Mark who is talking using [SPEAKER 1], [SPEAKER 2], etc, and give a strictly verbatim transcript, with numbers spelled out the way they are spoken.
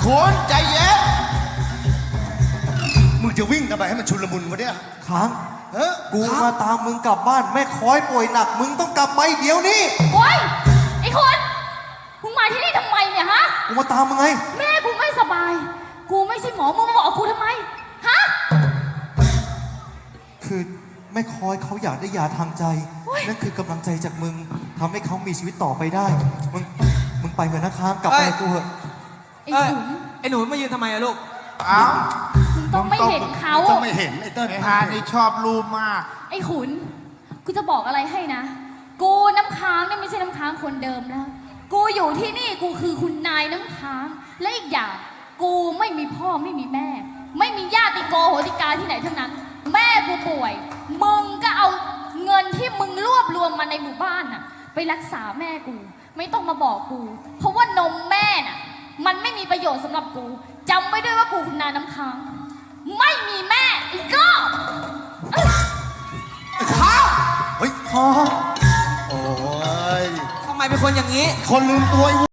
[SPEAKER 1] คุณใจเย็นมึงจะวิ่งทำไมให้มันชุลมุนวะเนี่ย
[SPEAKER 2] ค้าง
[SPEAKER 1] เฮ้ย
[SPEAKER 2] กูมาตามมึงกลับบ้านแม่คอยป่วยหนักมึงต้องกลับไปเดี๋ยวนี้
[SPEAKER 3] โอ๊ยไอ้คนมึงมาที่นี่ทำไมเนี่ยฮะ
[SPEAKER 2] กูมาตามมึงไง
[SPEAKER 3] แม่กูไม่สบายกูไม่ใช่หมอมึงมาบอกกูทำไมฮะ
[SPEAKER 2] คือแม่คอยเขาอยากได้ยาทางใจนั่นคือกำลังใจจากมึงทำให้เขามีชีวิตต่อไปได้มึงมึงไปเถอะนะค้างกลับไปกูเถอะ
[SPEAKER 3] ไอ้ขุน
[SPEAKER 4] ไอ้หนูมายืนทำไมอะลูก
[SPEAKER 1] อ้าว
[SPEAKER 3] มึงต้องไม่เห็นเขา
[SPEAKER 1] ต้องไม่เห็นไอ้เติ้ลไอ้ฮานี่ชอบรูปมาก
[SPEAKER 3] ไอ้ขุนกูจะบอกอะไรให้นะกูน้ำค้างเนี่ยไม่ใช่น้ำค้างคนเดิมแล้วกูอยู่ที่นี่กูคือคุณนายน้ำค้างและอีกอย่างกูไม่มีพ่อไม่มีแม่ไม่มีญาติโกโหติกาที่ไหนทั้งนั้นแม่กูป่วยมึงก็เอาเงินที่มึงรวบรวมมาในหมู่บ้านน่ะไปรักษาแม่กูไม่ต้องมาบอกกูเพราะว่านมแม่น่ะมันไม่มีประโยชน์สำหรับกูจำไว้ด้วยว่ากูคุณนายน้ำค้างไม่มีแม่อีกก็
[SPEAKER 1] ข้าเฮ้ยข้าโอ้ย
[SPEAKER 4] ทำไมเป็นคนอย่างนี้
[SPEAKER 1] คนลืมตัว